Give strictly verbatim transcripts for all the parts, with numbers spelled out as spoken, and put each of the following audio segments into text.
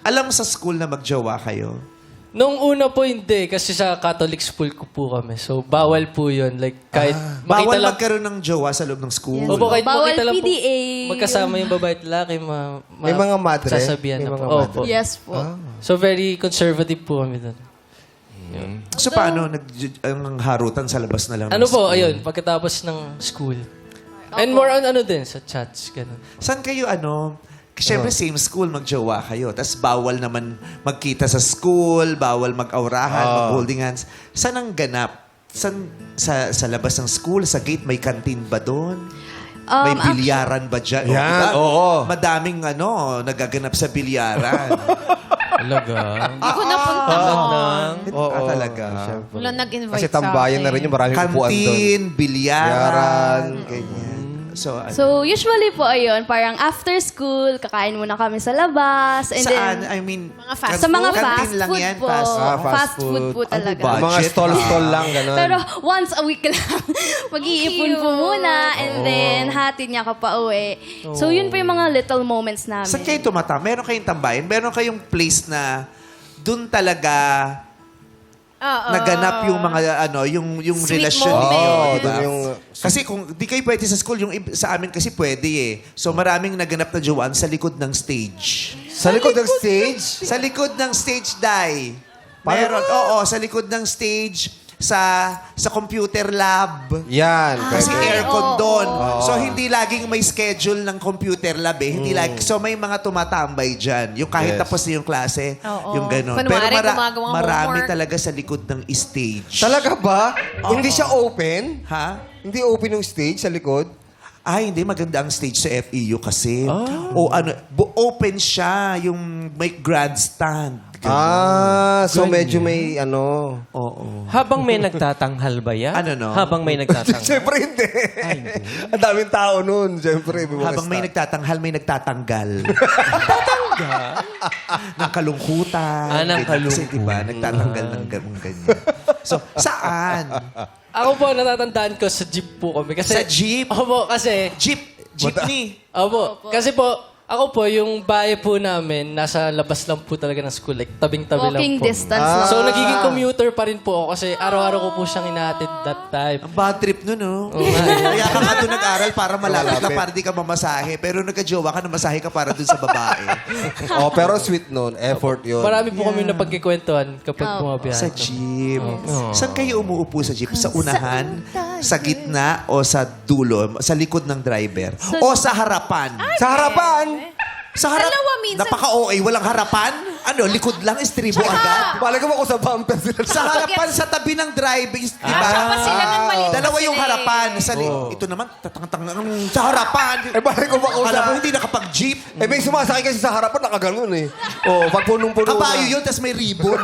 Alam sa school na magjowa kayo? Nung una po hindi, kasi sa Catholic school ko po kami. So, bawal po yun. Like, kahit makita Bawal lang... magkaroon ng jowa sa loob ng school. Opo, kahit Bawal makita lang P D A. po magkasama yung babae at lalaki, ma, ma, May mga madre? sasabihan May na mga po. madre? Opo. Yes po. So, very conservative po kami doon. So paano? Nag, ang harutan sa labas na lang ng Ano po, school? ayun, pagkatapos ng school. And more on ano din, sa chats, ganun. Saan kayo ano? Siyempre, same school, magjowa kayo. Tapos bawal naman magkita sa school, bawal mag-aurahan, mag-holding hands. Saan ang ganap? Saan, sa, sa labas ng school, sa gate, may kantin ba doon? May Um, bilyaran ba dyan? O, Yan, diba? oo. Madaming ano, nagaganap sa bilyaran. Talaga? Hindi ko napunta doon. ah, talaga. Siyempre. Wala nag-invite Kasi sa tambayan na akin. rin yung maraming upuan doon. Kantin, bilyaran, Bilyaran. ganyan. So, ano? So, usually po, ayun, parang after school, kakain muna kami sa labas. And saan? then, I mean, Mga fast sa mga kantin fast lang food yan, po. fast- Ah, fast fast food food. po Ano talaga. ba? Mga Budget, stall-stall lang, gano'n. Pero once a week lang, mag-iipon po muna and then hatid niya ka pa uwi. So, yun po yung mga little moments namin. Saan kayo tumata? Meron kayong tambayan? Meron kayong place na dun talaga Oo. naganap yung mga ano, yung yung Sweet relasyon moment. ninyo, Oo, di ba? dun yung- Kasi kung di kayo pwede sa school, yung ib- sa amin kasi pwede eh. So maraming naganap na jowan sa likod ng stage. Sa likod ng stage? Sa likod ng stage, Dai. Meron, oo, sa likod ng stage, sa sa computer lab. Yan. Kasi pwede. aircon oo, doon. oo. So, hindi laging may schedule ng computer lab eh. Hindi lagi. So, may mga tumatambay dyan. Yung kahit Yes. tapos na yung klase, Oo. yung gano'n. Kunwari, gumagawang marami homework. talaga sa likod ng stage. Talaga ba? Hindi siya open? Ha? Hindi open yung stage sa likod? Ay, hindi. Maganda ang stage sa F E U kasi. O ano, bu- open siya. Yung may grandstand. Ganun. Ah, so medyo may ano... Oo. Habang may nagtatanghal ba yan? Ano, no? Habang may nagtatanghal. Siyempre hindi. Ang daming tao nun. Siyempre. may mga Habang may staff. nagtatanghal, may nagtatanggal. Tatanggal? ng kalungkutan. Ah, ng Ganyan. Kasi diba, nagtatanggal ng ganun ganyan. So, saan? Ako po, natatandaan ko sa jeep po kami. Kasi, Sa jeep? Opo, kasi... Jeep. Jeepney. Opo, kasi po, ako po, yung bahay po namin, nasa labas lang po talaga ng school. Like, tabing-tabi lang Walking po. distance lang. So, nagiging commuter pa rin po ako kasi araw-araw ko po siyang inaatid that time. Ang bad trip nun, no? Kaya ka nga doon nag-aral para malapit ka, para di ka mamasahe. Pero nagka-jowa ka, namasahe ka para doon sa babae. Oh, pero sweet nun. Effort yun. Marami po kami napagkikwentuhan kapag bumabiyahe. Sa jeep. Saan kayo umuupo sa jeep? Sa unahan? Sa gitna? O sa dulo? Sa likod ng driver? O sa harapan? Sa harapan! Sa harap? Dalawa minsan. Napaka-O A. Walang harapan? Ano? Likod lang? Estribo agad? Bala ko ako sa bumper sila. Sa harapan, sa tabi ng driver. Di ba? Tsaka pa sila ng maliit pa Dalawa yung sila eh. harapan. Sa li- Ito naman, tatang-tang sa harapan. Eh, bala ko ako Alam sa... mo, hindi nakapag-jeep. Eh, may sumasakay kasi sa harapan, nakaganon eh. Oh, pag punong-puno Kabayo na. yun, tapos may ribbon.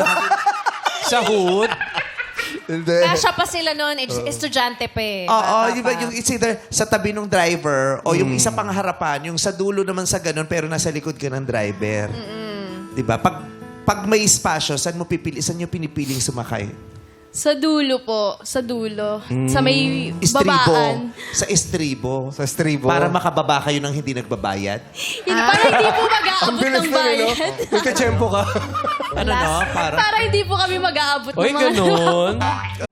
Sa hood? Hindi. Kasya pa sila noon, ed- estudyante pa eh. Oo, Bata di ba, pa. yung it's either sa tabi ng driver o yung isa pang harapan, yung sa dulo naman sa ganun pero nasa likod ka ng driver. Di ba? Pag, pag may espasyo, saan mo pipili, saan nyo pinipiling sumakay? Sa dulo po. Sa dulo. Sa may Estribo. babaan. Sa estribo. Sa estribo. Para makababa kayo ng hindi nagbabayad. Hindi, para hindi po Ang mag-aabot bilis ng na yun, no? bayad. May kachempo ka. Ano no? Para... Para hindi po kami mag-aabot Uy, ng mga... ganun.